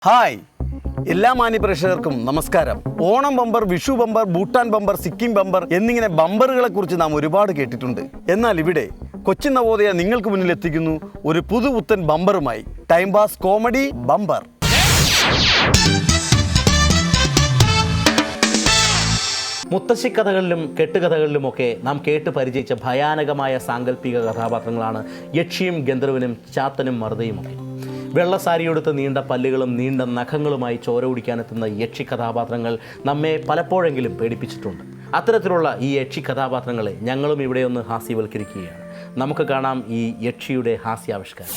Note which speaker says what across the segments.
Speaker 1: Hi എല്ലാ മാന്യപ്രേക്ഷകർക്കും നമസ്കാരം. Onam bumper, Vishu bumper, Bhutan bumper, Sikkim bumper എന്നിങ്ങനെ ബമ്പറുകളെ കുറിച്ച് നാം ഒരുപാട് കേട്ടിട്ടുണ്ട്. എന്നാൽ ഇവിടെ കൊച്ചിൻ നവോദയ നിങ്ങൾക്ക് മുന്നിൽ എത്തിക്കുന്നു ഒരു പുതുപുത്തൻ ബമ്പറുമായി. Time pass comedy bumper.
Speaker 2: മുത്തശ്ശിക്കഥകളിലും കെട്ടുകഥകളിലുമൊക്കെ നാം കേട്ട് പരിചയിച്ച ഭയാനകമായ സാങ്കല്പിക കഥാപാത്രങ്ങളാണ് യക്ഷിയും ഗന്ധർവനും ചാത്തനും മറുതയുമൊക്കെ. വെള്ളസാരിയെടുത്ത് നീണ്ട പല്ലുകളും നീണ്ട നഖങ്ങളുമായി ചോര കുടിക്കാനെത്തുന്ന യക്ഷി കഥാപാത്രങ്ങൾ നമ്മെ പലപ്പോഴെങ്കിലും പേടിപ്പിച്ചിട്ടുണ്ട്. അത്തരത്തിലുള്ള ഈ യക്ഷി കഥാപാത്രങ്ങളെ ഞങ്ങളും ഇവിടെ ഒന്ന് ഹാസ്യവൽക്കരിക്കുകയാണ്. നമുക്ക് കാണാം ഈ യക്ഷിയുടെ ഹാസ്യാവിഷ്കാരം.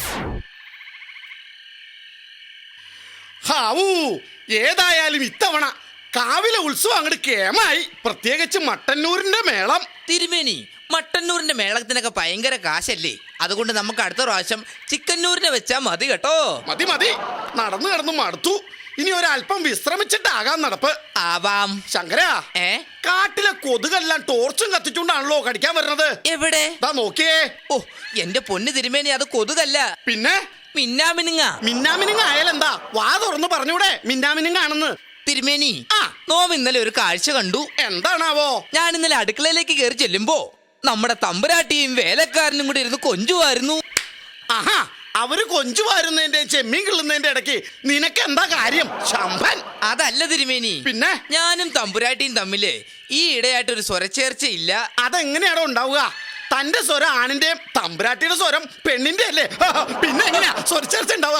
Speaker 3: ഏതായാലും ഇത്തവണ കാവിലെ ഉത്സവം അങ്ങോട്ട് കേമായി. പ്രത്യേകിച്ച് മട്ടന്നൂരിന്റെ മേളം.
Speaker 4: തിരുമേനി, മട്ടന്നൂരിന്റെ മേളത്തിനൊക്കെ ഭയങ്കര കാശല്ലേ? അതുകൊണ്ട് നമുക്ക് അടുത്ത പ്രാവശ്യം ചിക്കന്നൂരിനെ വെച്ചാ മതി കേട്ടോ.
Speaker 3: മതി മതി, നടന്നു കിടന്നു മടുത്തു. ഇനി ഒരല്പം വിശ്രമിച്ചിട്ടാകാൻ നടപ്പ്.
Speaker 4: ആവാം.
Speaker 3: ശങ്കരാ, കാട്ടിലെ കൊതുകെല്ലാം ടോർച്ചും കത്തിച്ചുകൊണ്ടാണല്ലോ കടിക്കാൻ വരുന്നത്.
Speaker 4: എവിടെ?
Speaker 3: നോക്കിയേ.
Speaker 4: ഓ എന്റെ പൊന്ന് തിരുമേനി, അത് കൊതുകല്ല,
Speaker 3: പിന്നെ
Speaker 4: മിന്നാമിനുങ്ങ.
Speaker 3: മിന്നാമിനുങ്ങ ആയാലെന്താ? വാ തുറന്ന് പറഞ്ഞൂടെ മിന്നാമിനുങ്ങാണെന്ന്.
Speaker 4: തിരുമേനി, നോം ഇന്നലെ ഒരു കാഴ്ച കണ്ടു.
Speaker 3: എന്താണാവോ?
Speaker 4: ഞാൻ ഇന്നലെ അടുക്കളയിലേക്ക് കയറി ചെല്ലുമ്പോ നമ്മുടെ തമ്പുരാട്ടിയും വേലക്കാരനും കൂടി ഇരുന്ന് കൊഞ്ചുമായിരുന്നു.
Speaker 3: ആഹാ, അവര് കൊഞ്ചുമാരുന്നതിന്റെ ചെമ്മീൻ കിള്ളുന്നതിന്റെ ഇടയ്ക്ക് നിനക്ക് എന്താ കാര്യം ശമ്പൻ?
Speaker 4: അതല്ല തിരുമേനി,
Speaker 3: പിന്നെ
Speaker 4: ഞാനും തമ്പുരാട്ടിയും തമ്മില് ഈ ഇടയായിട്ടൊരു സ്വരച്ചേർച്ചയില്ല.
Speaker 3: അതെങ്ങനെയാണോ ഉണ്ടാവുക? തന്റെ സ്വരം ആണിന്റെയും തമ്പുരാട്ടിയുടെ സ്വരം പെണ്ണിന്റെ അല്ലേ? പിന്നെ എങ്ങനെയാ സ്വരച്ചേർച്ച ഉണ്ടാവുക?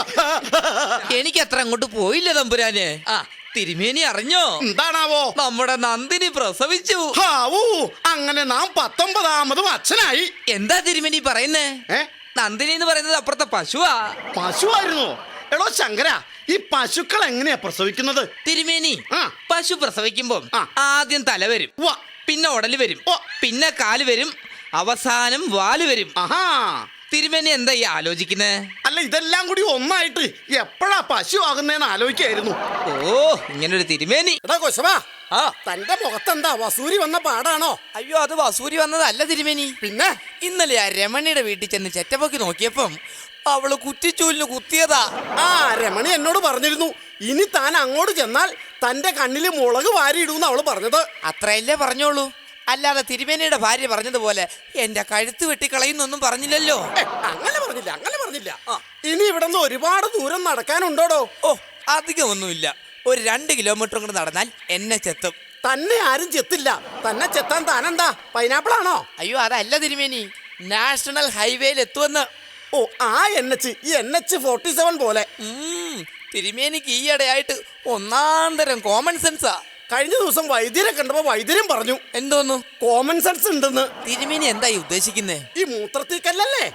Speaker 4: എനിക്ക് അത്ര അങ്ങോട്ട് പോയില്ല തമ്പുരാന്. തിരുമേനി അറിഞ്ഞോ?
Speaker 3: എന്താണാവോ?
Speaker 4: നമ്മുടെ നന്ദിനി പ്രസവിച്ചു.
Speaker 3: അങ്ങനെ നാം 19ാമതും അച്ഛനായി.
Speaker 4: എന്താ തിരുമേനി പറയുന്നേ? നന്ദിനി എന്ന് പറയുന്നത് അപ്പുറത്തെ പശുവാ.
Speaker 3: പശുവായിരുന്നു? എടോ ശങ്കര, ഈ പശുക്കൾ എങ്ങനെയാ പ്രസവിക്കുന്നത്?
Speaker 4: തിരുമേനി, പശു പ്രസവിക്കുമ്പോ ആദ്യം തല വരും, പിന്നെ ഉടല് വരും, പിന്നെ കാല് വരും, അവസാനം വാല് വരും. തിരുമേനി എന്താ ഈ ആലോചിക്കുന്നേ?
Speaker 3: അല്ല, ഇതെല്ലാം കൂടി ഒന്നായിട്ട് എപ്പോഴാ പശു ആകുന്നേന്ന് ആലോചിക്കായിരുന്നു.
Speaker 4: ഓ, ഇങ്ങനൊരു തിരുമേനി.
Speaker 3: എടാ കൊശവാ, തന്റെ മുഖത്തെന്താ വസൂരി വന്ന പാടാണോ?
Speaker 4: അയ്യോ, അത് വസൂരി വന്നതല്ല തിരുമേനി.
Speaker 3: പിന്നെ
Speaker 4: ഇന്നലെ ആ രമണിയുടെ വീട്ടിൽ ചെന്ന് ചെറ്റപ്പൊക്കി നോക്കിയപ്പം അവള് കുറ്റിച്ചൂലിന് കുത്തിയതാ.
Speaker 3: രമണി എന്നോട് പറഞ്ഞിരുന്നു, ഇനി താൻ അങ്ങോട്ട് ചെന്നാൽ തന്റെ കണ്ണില് മുളക് വാരിയിടൂന്ന് അവള് പറഞ്ഞത്.
Speaker 4: അത്രയല്ലേ പറഞ്ഞോളൂ, അല്ലാതെ തിരുമേനിയുടെ ഭാര്യ പറഞ്ഞതുപോലെ എന്റെ കഴുത്ത് വെട്ടിക്കളയുന്നൊന്നും പറഞ്ഞില്ലല്ലോ.
Speaker 3: അങ്ങനെ പറഞ്ഞില്ല. ഇനി ഇവിടെ നിന്ന് ഒരുപാട് ദൂരം നടക്കാനുണ്ടോടോ?
Speaker 4: ഓ, അധികമൊന്നുമില്ല. ഒരു 2 കിലോമീറ്റർ കൂടെ നടന്നാൽ എന്നെ ചെത്തും.
Speaker 3: തന്നെ ആരും ചെത്തില്ല. തന്നെ ചെത്താൻ താനെന്താ പൈനാപ്പിൾ ആണോ?
Speaker 4: അയ്യോ, അതല്ല തിരുമേനി, നാഷണൽ ഹൈവേയിൽ എത്തുമെന്ന്.
Speaker 3: ഓ, ആ NH, ഈ NH-47 പോലെ.
Speaker 4: തിരുമേനിക്ക് ഈയിടെയായിട്ട് ഒന്നാം തരം കോമൺ സെൻസാ.
Speaker 3: കഴിഞ്ഞ ദിവസം വൈദ്യരെ കണ്ടപ്പോ വൈദ്യരും പറഞ്ഞു.
Speaker 4: എന്തോന്നു?
Speaker 3: കോമൺ സെൻസ് ഉണ്ടെന്ന്.
Speaker 4: തിരുമേനി എന്തായി ഉദ്ദേശിക്കുന്നേ?
Speaker 3: ഈ മൂത്രത്തിക്കല്ലേ?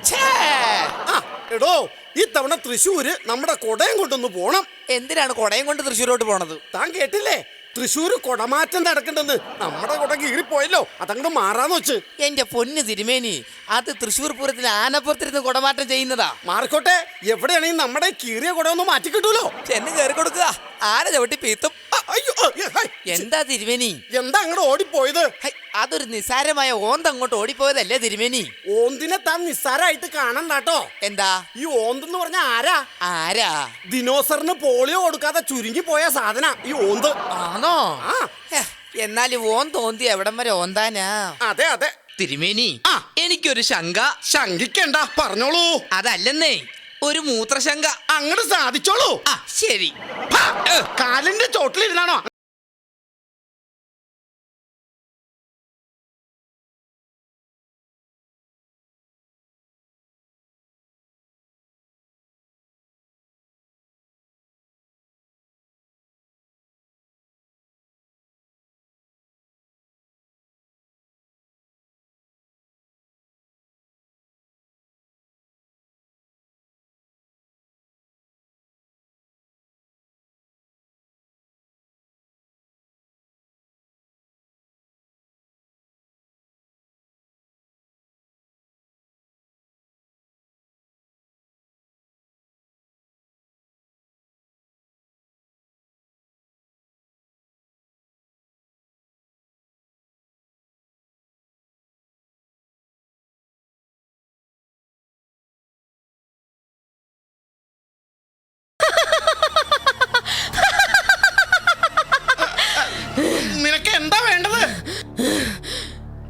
Speaker 3: എടോ, ഈ തവണ തൃശ്ശൂര് നമ്മുടെ കൊടയം കൊണ്ടൊന്ന് പോണം.
Speaker 4: എന്തിനാണ് കൊടയം കൊണ്ട് തൃശ്ശൂരോട്ട് പോണത്?
Speaker 3: താൻ കേട്ടില്ലേ? തൃശ്ശൂര് കൊടമാറ്റം നടക്കണ്ടെന്ന്. നമ്മുടെ കൊട കീറിപ്പോയല്ലോ, അതങ്ങോട്ട് മാറാന്ന് വെച്ച്.
Speaker 4: എന്റെ പൊന്ന് തിരുമേനി, അത് തൃശ്ശൂർ പൂരത്തിൽ ആനപ്പുറത്തിരുന്ന് കുടമാറ്റം ചെയ്യുന്നതാ.
Speaker 3: മാറിക്കോട്ടെ, എവിടെയാണെങ്കിൽ നമ്മുടെ കീറിയ കുട ഒന്ന് മാറ്റി കിട്ടൂലോ.
Speaker 4: ചെന്ന് കയറി കൊടുക്കുക, ആന ചവിട്ടി പീത്തും. എന്താ തിരുമേനി?
Speaker 3: എന്താ അങ്ങോട്ട് ഓടിപ്പോയത്?
Speaker 4: അതൊരു നിസ്സാരമായ ഓന്ത് അങ്ങോട്ട് ഓടിപ്പോയതല്ലേ തിരുമേനി?
Speaker 3: ഓന്തിനെ താൻ നിസ്സാരമായിട്ട് കാണണ്ടാട്ടോ.
Speaker 4: എന്താ
Speaker 3: ഈ ഓന്തെന്ന് പറഞ്ഞ
Speaker 4: ആരാ?
Speaker 3: ദിനോസറിന് പോളിയോ കൊടുക്കാതെ ചുരുങ്ങി പോയ സാധന ഈ ഓന്ത്.
Speaker 4: ആണോ? എന്നാലും ഓന്ത് ഓന്തി എവിടം വരെ ഓന്താനാ?
Speaker 3: അതെ
Speaker 4: തിരുമേനി, എനിക്കൊരു ശങ്ക.
Speaker 3: ശങ്കിക്കണ്ട, പറഞ്ഞോളൂ.
Speaker 4: അതല്ലെന്നേ, ഒരു മൂത്രശങ്ക.
Speaker 3: അങ്ങോട്ട് സാധിച്ചോളൂ.
Speaker 4: ശരി.
Speaker 3: കാലിന്റെ ചോട്ടിലിരുന്നാണോ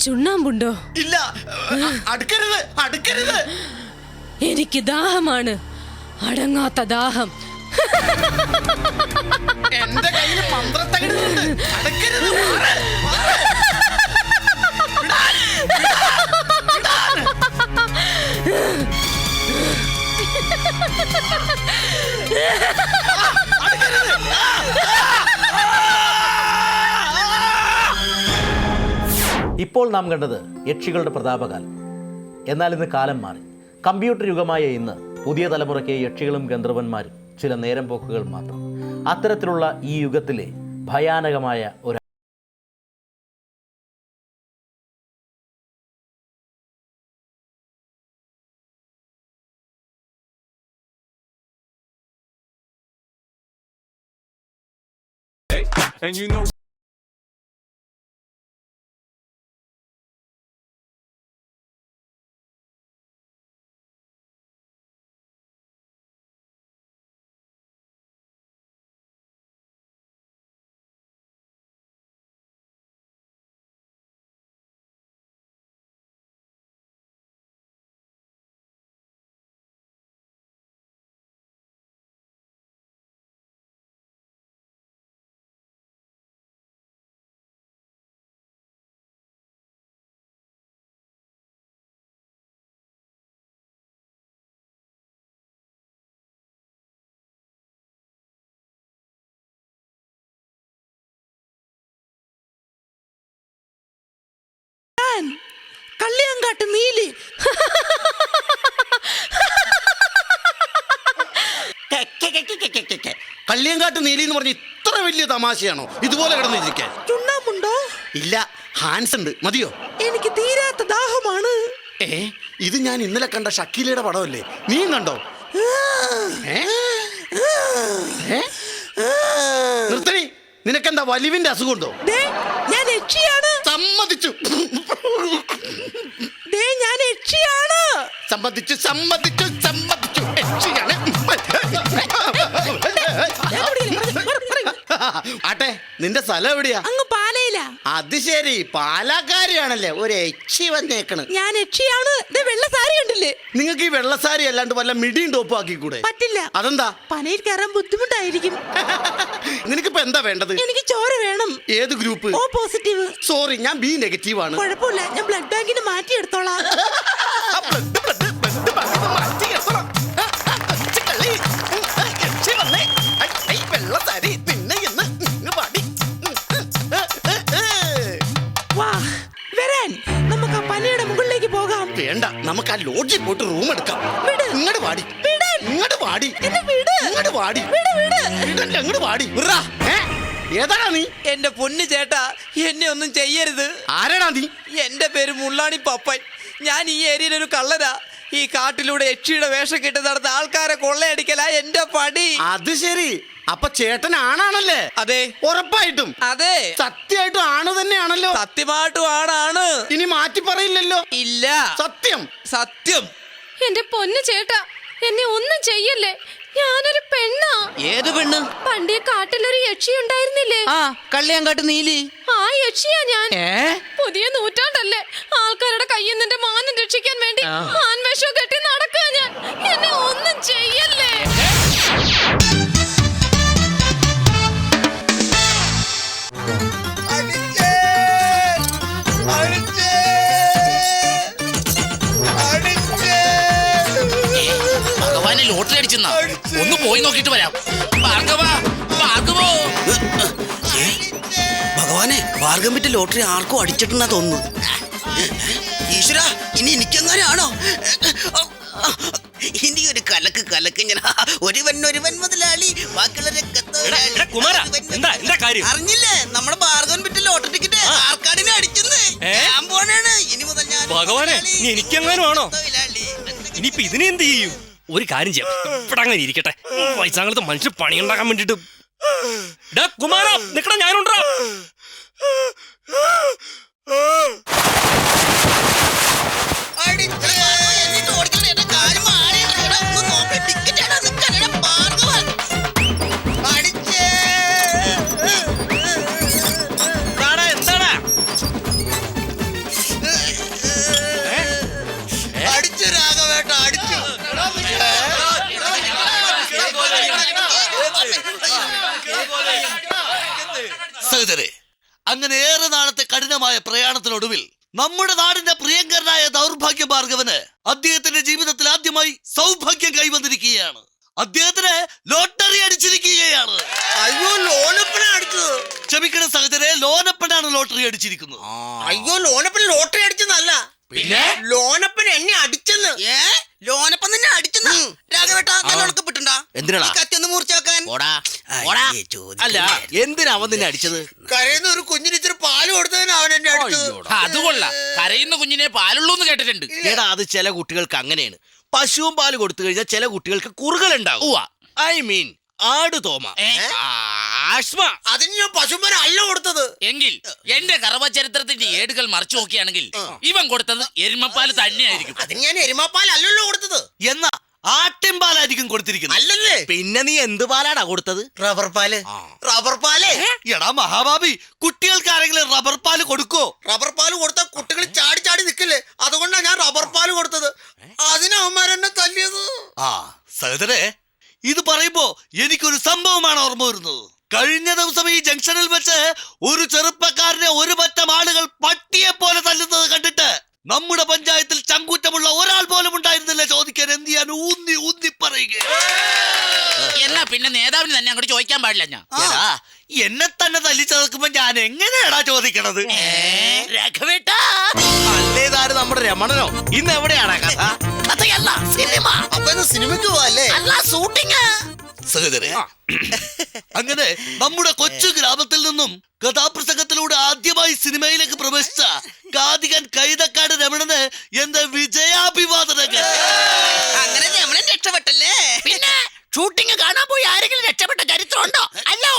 Speaker 5: ചുണ്ണാമ്പുണ്ടോ?
Speaker 3: ഇല്ല. അടുക്കരുത്, അടുക്കരുത്.
Speaker 5: എനിക്ക് ദാഹമാണ്, അടങ്ങാത്ത ദാഹം.
Speaker 3: എന്റെ കയ്യിൽ മന്ത്രത്തകിടുന്നുണ്ട്. അടുക്കരുത്. മാറ്, മാറ്. വിടാൻ, വിടാൻ, വിടാൻ. അടുക്കരുത്.
Speaker 2: ഇപ്പോൾ നാം കണ്ടത് യക്ഷികളുടെ പ്രതാപകാലം. എന്നാൽ ഇന്ന് കാലം മാറി. കമ്പ്യൂട്ടർ യുഗമായ ഇന്ന് പുതിയ തലമുറയ്ക്ക് യക്ഷികളും ഗന്ധർവന്മാരും ചില നേരം പോക്കുകൾ മാത്രം. അത്തരത്തിലുള്ള ഈ യുഗത്തിലെ ഭയാനകമായ ഒരു
Speaker 6: And you know
Speaker 3: കള്ളിയാങ്കാട്ട് Neeli. Kalliyankattu Neeli എന്ന് പറഞ്ഞ ഇത്ര വലിയ തമാശയാണോ? ഇതുപോലെ കിടന്നിരിക്കാൻ.
Speaker 7: ചുണ്ണാമ്പുണ്ടോ?
Speaker 3: ഇല്ല, ഹാൻസ് ഉണ്ട്. മതിയോ?
Speaker 7: എനിക്ക് തീരാത്ത ദാഹമാണ്.
Speaker 3: ഇത് ഞാൻ ഇന്നലെ കണ്ട ഷക്കീലയുടെ പടമല്ലേ? നീ കണ്ടോ? നിർത്തണി. നിനക്കെന്താ വലിവിന്റെ അസുഖമുണ്ടോ?
Speaker 7: ഞാൻ യക്ഷിയാണ്.
Speaker 3: സമ്മതിച്ചു,
Speaker 7: ഞാൻ യക്ഷിയാണ്.
Speaker 3: സമ്മതിച്ചു, സമ്മതിച്ചു, സമ്മതിച്ചു. യക്ഷിയാണ്. ആട്ടെ, നിന്റെ സ്ഥലം എവിടെയാ?
Speaker 7: അങ്ങ് പാലയില.
Speaker 3: അത് ശരി, പാലക്കാരിയാണല്ലേ. ഒരു യക്ഷി വന്നേക്കണ്.
Speaker 7: ഞാൻ യക്ഷിയാണ്. വെള്ള സാരി കണ്ടില്ലേ?
Speaker 3: നിങ്ങൾക്ക് ഈ വെള്ളസാരി അല്ലാണ്ട് വല്ല മിടിയും ടോപ്പും ആക്കിക്കൂടെ?
Speaker 7: പറ്റില്ല.
Speaker 3: അതെന്താ?
Speaker 7: പനയിൽ കയറാൻ ബുദ്ധിമുട്ടായിരിക്കും.
Speaker 3: നിനക്കിപ്പോ എന്താ വേണ്ടത്?
Speaker 7: എനിക്ക് ചോര വേണം.
Speaker 3: ഏത് ഗ്രൂപ്പ്?
Speaker 7: O positive.
Speaker 3: സോറി, ഞാൻ ബി നെഗറ്റീവ് ആണ്.
Speaker 7: കുഴപ്പമില്ല, ഞാൻ ബ്ലഡ് ബാങ്കിന് മാറ്റിയെടുത്തോളാം. നമുക്ക് ആ പനയുടെ മുകളിലേക്ക് പോകാം.
Speaker 3: വേണ്ട, നമുക്ക് ആ ലോഡ്ജിൽ പോയിട്ട് റൂം എടുക്കാം. ഇങ്ങോട്ട് വാടി, ഇങ്ങോട്ട് വാടി, ഇങ്ങോട്ട് വാടി, ഇങ്ങോട്ട് വാടി. ഏതാടാ നീ?
Speaker 4: എന്റെ പൊന്നു ചേട്ടാ, എന്നെ ഒന്നും ചെയ്യരുത്.
Speaker 3: ആരാടാ നീ?
Speaker 4: എന്റെ പേര് മുള്ളാണി പപ്പൻ. ഞാൻ ഈ ഏരിയയിൽ ഒരു കള്ളനാ. ഈ കാട്ടിലൂടെ യക്ഷിയുടെ വേഷം കെട്ടി നടന്ന ആൾക്കാരെ കൊള്ളയടിക്കലാ എന്റെ പടി.
Speaker 3: അത് ശരി, അപ്പൊ ചേട്ടൻ ആണാണല്ലേ?
Speaker 4: അതെ,
Speaker 3: ഉറപ്പായിട്ടും.
Speaker 4: അതെ,
Speaker 3: സത്യമായിട്ടും ആണ് തന്നെയാണല്ലോ.
Speaker 4: സത്യമായിട്ടും ആണാണ്.
Speaker 3: ഇനി മാറ്റി പറയില്ലല്ലോ?
Speaker 4: ഇല്ല,
Speaker 3: സത്യം,
Speaker 4: സത്യം.
Speaker 5: എന്റെ പൊന്നു ചേട്ടാ, എന്നെ ഒന്നും ചെയ്യല്ലേ. ഞാനൊരു പെണ്ണാ.
Speaker 4: ഏത് പെണ്ണ്?
Speaker 5: പണ്ടേ കാട്ടിലൊരു യക്ഷി ഉണ്ടായിരുന്നില്ലേ?
Speaker 4: ആ, കള്ളിയാങ്കാട്ട് നീലി.
Speaker 5: ആ യക്ഷിയാ ഞാൻ. പുതിയ നൂറ്റാണ്ടല്ലേ, ആൾക്കാരുടെ കയ്യിൽ നിന്റെ മാനം രക്ഷിക്കാൻ വേണ്ടി ആൺവേഷം കെട്ടി നടക്കുക ഞാൻ. എന്നെ ഒന്നും ചെയ്യല്ലേ.
Speaker 3: ഭഗവാനെ ലോട്ടറി അടിച്ചെന്നാ? ഒന്ന് പോയി നോക്കിട്ട് വരാം. ഭഗവാനെ, ഭാർഗം വിറ്റ ലോട്ടറി ആർക്കും അടിച്ചിട്ടുണ്ടെന്നാ തോന്നുന്നു. ഈശ്വര, ഇനി എനിക്കെങ്ങനെയാണോ? ഇനി ഒരു കലക്ക് കലക്ക് ഞാൻ. ഒരുവൻ മുതലാളി, അറിഞ്ഞില്ലേ? നമ്മുടെ ഭാർഗവൻ വിറ്റ ലോട്ടറി ടിക്കറ്റ് ആർക്കാടിനെ അടിച്ചെന്ന്. ഞാൻ പോണാണ് ഇനി മുതൽ. ഞാൻ
Speaker 8: ഭഗവാനെ, എനിക്കെങ്ങാനുമാണോ? ഇനിയിപ്പോ ഇതിനെ എന്ത് ചെയ്യും? ഒരു കാര്യം ചെയ്യാം, ഇവിടെ അങ്ങനെ ഇരിക്കട്ടെ. വയസ്സാങ്ങളത്തെ മനുഷ്യർ പണിയുണ്ടാക്കാൻ വേണ്ടിട്ട്. കുമാര നിക്കട, ഞാനുണ്ടാ.
Speaker 3: സഹോദരെ, അങ്ങനെ ഏറെ നാളത്തെ കഠിനമായ പ്രയാണത്തിനൊടുവിൽ നമ്മുടെ നാടിന്റെ പ്രിയങ്കരനായ ദൗർഭാഗ്യ ഭാർഗവന് അദ്ദേഹത്തിന്റെ ജീവിതത്തിൽ ആദ്യമായി സൗഭാഗ്യം കൈവന്നിരിക്കുകയാണ്. അദ്ദേഹത്തിന് ലോട്ടറി അടിച്ചിരിക്കുകയാണ്.
Speaker 6: അയ്യോ, ലോനപ്പന അടിച്ചത്.
Speaker 3: ക്ഷമിക്കണം സഹോദരെ, ലോനപ്പനാണ് ലോട്ടറി അടിച്ചിരിക്കുന്നത്.
Speaker 6: അയ്യോ, ലോനപ്പൻ ലോട്ടറി അടിച്ചെന്നല്ല,
Speaker 3: പിന്നെ
Speaker 6: ലോനപ്പൻ എന്നെ അടിച്ചെന്ന്.
Speaker 7: ലോനപ്പം നിന്നെ അടിച്ചെന്ന് രാഘവേട്ടാ നല്ലോണക്ക് പിട്ടുണ്ടാ
Speaker 3: എന്തിനാ
Speaker 7: കത്തി ഒന്ന് മൂർച്ച വെക്കാൻ
Speaker 3: അല്ല, എന്തിനാ അവൻ നിന്നെ അടിച്ചത്?
Speaker 6: കരയുന്ന ഒരു കുഞ്ഞിന് ഇച്ചിരി പാല് കൊടുത്തതിന് അവൻ എന്നെ അടിച്ചത്.
Speaker 4: അതുകൊള്ള കരയുന്ന കുഞ്ഞിനെ പാലുള്ളൂ എന്ന് കേട്ടിട്ടുണ്ട്.
Speaker 3: എടാ, അത് ചില കുട്ടികൾക്ക് അങ്ങനെയാണ്. പശുവും പാല് കൊടുത്തു കഴിഞ്ഞാൽ ചില കുട്ടികൾക്ക് കുറുകളുണ്ടാവും. ഐ മീൻ ആട് തോമ, ആസ്മ.
Speaker 6: അതിന് ഞാൻ പശുമ്പന അല്ല കൊടുത്തത്.
Speaker 4: എങ്കിൽ എന്റെ ഗർഭചരിത്രത്തിന്റെ ഏടുകൾ മറിച്ചു നോക്കിയാണെങ്കിൽ ഇവൻ കൊടുത്തത് എരുമപ്പാല് തന്നെയായിരിക്കും.
Speaker 6: അതിന് ഞാൻ എരുമാപ്പാൽ അല്ലല്ലോ കൊടുത്തത്.
Speaker 3: എന്നാ ആട്ടിൻപാലായിരിക്കും കൊടുത്തിരിക്കുന്നത്.
Speaker 6: അല്ലല്ലേ?
Speaker 3: പിന്നെ നീ എന്ത് പാലാടാ കൊടുത്തത്?
Speaker 6: റബ്ബർ പാല്. റബ്ബർ പാല്.
Speaker 3: എടാ മഹാഭാവി, കുട്ടികൾക്ക് ആരെങ്കിലും റബ്ബർ പാല് കൊടുക്കോ?
Speaker 6: റബ്ബർ പാല് കൊടുത്താൽ കുട്ടികൾ ചാടി ചാടി നിൽക്കില്ലേ? അതുകൊണ്ടാണ് ഞാൻ റബ്ബർ പാല് കൊടുത്തത്. അതിനവന്മാരെന്നെ തല്ലിയത്.
Speaker 3: സഹോദരെ, ഇത് പറയുമ്പോ എനിക്കൊരു സംഭവമാണ് ഓർമ്മ വരുന്നത്. കഴിഞ്ഞ ദിവസം ഈ ജംഗ്ഷനിൽ വെച്ച് ഒരു ചെറുപ്പക്കാരനെ ഒരു പറ്റം ആളുകൾ പട്ടിയെ പോലെ തല്ലുന്നത് കണ്ടിട്ട് നമ്മുടെ പഞ്ചായത്തിൽ ചങ്കൂറ്റമുള്ള ഒരാൾ പോലും ഉണ്ടായിരുന്നില്ല ചോദിക്കാൻ. എന്ത് ചെയ്യാൻ ഊന്നി ഊന്നി പറയുക.
Speaker 4: എന്നാ പിന്നെ നേതാവിന് തന്നെ അങ്ങോട്ട് ചോദിക്കാൻ പാടില്ല. ഞാൻ
Speaker 3: എടാ, എന്നെ തന്നെ തല്ലിച്ചതക്കുമ്പോ ഞാൻ എങ്ങനെയാടാ ചോദിക്കണത്?
Speaker 7: രാഘവേട്ടാ
Speaker 3: അല്ലേതാര് നമ്മുടെ രമണനോ? ഇന്ന് എവിടെയാണ് കഥ?
Speaker 7: കഥയല്ല സിനിമ.
Speaker 6: അപ്പൊ ഇന്ന് സിനിമയ്ക്ക് പോവല്ലേ?
Speaker 7: അല്ല ഷൂട്ടിങ്.
Speaker 3: സഹോദരൻ, അങ്ങനെ നമ്മുടെ കൊച്ചു ഗ്രാമത്തിൽ നിന്നും കഥാപ്രസംഗത്തിലൂടെ ആദ്യമായി സിനിമയിലേക്ക് പ്രവേശിച്ച കാതികൻ കൈതക്കാട് രമണന് എന്റെ വിജയാഭിവാദനങ്ങൾ.
Speaker 7: അങ്ങനെ രമണൻ രക്ഷപ്പെട്ടല്ലേ? പിന്നെ ഷൂട്ടിംഗ് കാണാൻ പോയി ആരെങ്കിലും രക്ഷപ്പെട്ട ചരിത്രമുണ്ടോ? അല്ല